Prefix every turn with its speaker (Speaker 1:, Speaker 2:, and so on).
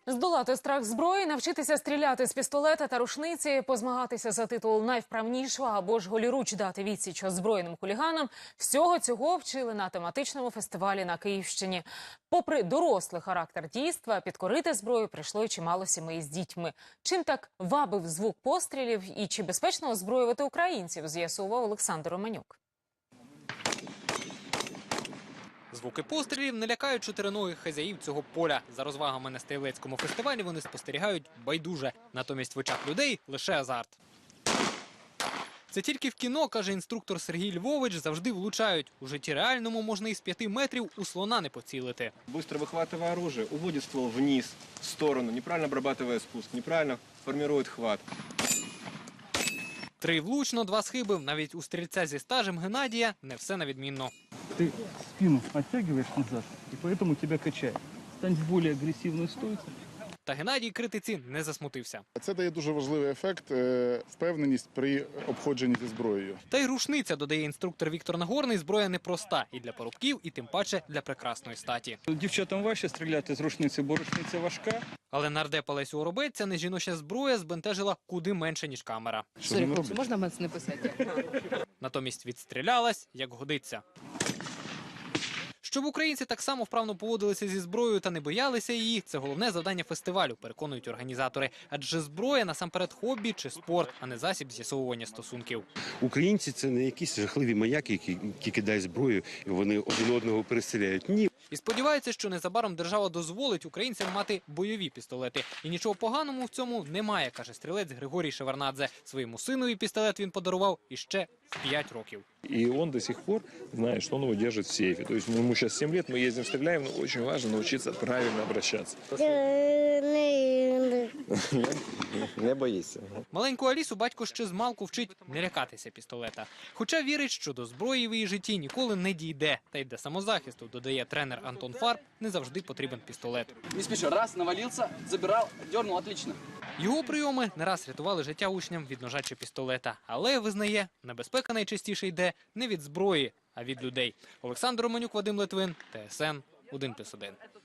Speaker 1: Здолати страх зброї, навчитися стріляти з пістолета та рушниці, позмагатися за титул найвправнішого або ж голіруч дати відсіч озброєним хуліганам – всього цього вчили на тематичному фестивалі на Київщині. Попри дорослий характер дійства, підкорити зброю прийшло й чимало сімей з дітьми. Чим так вабив звук пострілів і чи безпечно озброювати українців, з'ясував Олександр Романюк.
Speaker 2: Звуки пострілів не лякають чотириногих хазяїв цього поля. За розвагами на стрілецькому фестивалі вони спостерігають байдуже. Натомість в очах людей лише азарт. Це тільки в кіно, каже інструктор Сергій Львович, завжди влучають. У житті реальному можна із 5 метрів у слона не поцілити.
Speaker 3: Быстро выхватывая оружие, уводит ствол вниз, в сторону, неправильно обрабатывая спуск, неправильно формирует хват.
Speaker 2: 3 влучно, 2 схибив. Навіть у стрільця зі стажем Геннадія не все на відмінно.
Speaker 4: Ты спину оттягиваешь назад, и поэтому тебя качает. Стань в более агрессивную стойку.
Speaker 2: Та Геннадій критиці не засмутився.
Speaker 5: Це дає дуже важливий ефект, впевненість при обходженні зі зброєю.
Speaker 2: Та й рушниця, додає інструктор Віктор Нагорний, зброя непроста. І для парубків, і тим паче для прекрасної статі.
Speaker 4: Дівчатам важче стріляти з рушниці, бо рушниця важка.
Speaker 2: Але нардепа Лесю Оробець ця нежіноча зброя збентежила куди менше, ніж камера.
Speaker 6: Сорі, хлопці, можна мене не писати?
Speaker 2: Натомість відстрілялась, як годиться. Щоб українці так само вправно поводилися зі зброєю та не боялися її – це головне завдання фестивалю, переконують організатори. Адже зброя насамперед хобі чи спорт, а не засіб з'ясовування стосунків.
Speaker 7: Українці – це не якісь жахливі маяки, які кидають зброю, і вони один одного перестріляють. Ні.
Speaker 2: І сподіваються, що незабаром держава дозволить українцям мати бойові пістолети. І нічого поганого в цьому немає, каже стрілець Григорій Шеварнадзе. Своєму синові пістолет він подарував іще в 5 років.
Speaker 8: И он до сих пор знает, что он его держит в сейфе. То есть ему сейчас 7 лет, мы ездим, стреляем, но очень важно научиться правильно обращаться.
Speaker 3: Не боїться.
Speaker 2: Маленьку Алісу батько ще змалку вчить не лякатися пістолета. Хоча вірить, що до зброї в її житті ніколи не дійде. Та й для самозахисту, додає тренер Антон Фарб, не завжди потрібен пістолет.
Speaker 6: Не спіши, раз, навалився, забирав, дернув, отлично.
Speaker 2: Його прийоми не раз рятували життя учням від ножа чи пістолета. Але, визнає, небезпека найчастіше йде не від зброї, а від людей. Олександр Романюк, Вадим Литвин, ТСН 1+1.